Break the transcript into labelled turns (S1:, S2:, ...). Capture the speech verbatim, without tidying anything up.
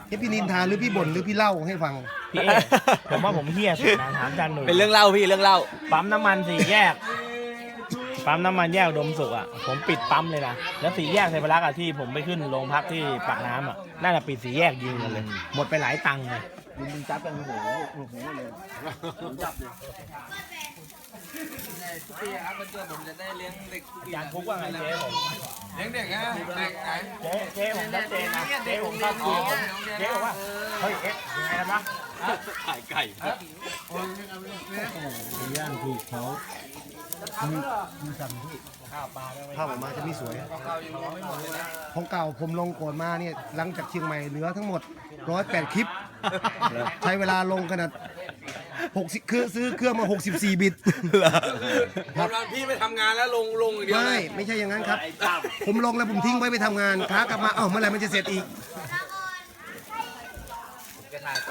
S1: นี่พี่นินทาหรือพี่บ่นหรือพี่เล่าให้ฟัง
S2: พี่เอผมว่าผมเฮี้ยสุดนะถามอาจารย์หนุ่ย
S3: เป็นเรื่องเล่าพี่เรื่องเล่า
S2: ปั๊มน้ำมันสี่แยก ปั๊มน้ำมันแยกอุดมสุขอ่ะผมปิดปั๊มเลยนะแล้วสี่แยกเทพรักษ์อ่ะที่ผมไปขึ้นโรงพักที่ปากน้ำอ่ะน่าจะปิดสี่แยกยิงกันเลย หมดไปหลายตังค์เลย
S4: ยิงจับกันโอ้โหโอ้โหเลยจับเลย
S5: พี่ครับมันเกิดผมจะได้เลี้ยงเด็ก
S2: อาจารย์คุกว่าไงเจ๊ผม
S5: เลี้ยงเด็กนะเด็กไหน
S2: เจ๊เจ๊ผมชัดเจนนะเจ๊ผมเข้าคุยผมเจ๊บอกว่าเฮ้ยเอ๊ะยังไงกันวะ
S3: ขายไก่
S4: ย่างถูกเขามีมีสั่งที่
S2: ข้าวปลาได้ไหม
S1: ภาพออกมาจะไม่สวย
S5: เรายังมองไม่หมดเลยนะ
S1: ของเก่าผมลงก่อนมาเนี่ยหลังจากเชียงใหม่เหลือทั้งหมดร้อยแปดคลิป ใช้เวลาลงขนาดหกสิบคือซื้อเครื่องมาหกสิบสี่บิต
S5: กำลังพี่ไปทำงานแล้วลงลงอย่างเดียว
S1: ไม่ไม่ใช่อย่างนั้นครับ ผมลงแล้วผมทิ้งไว้ไปทำงานค้ากลับมาเอ้าเมื่อไหร่มันจะเสร็จอีก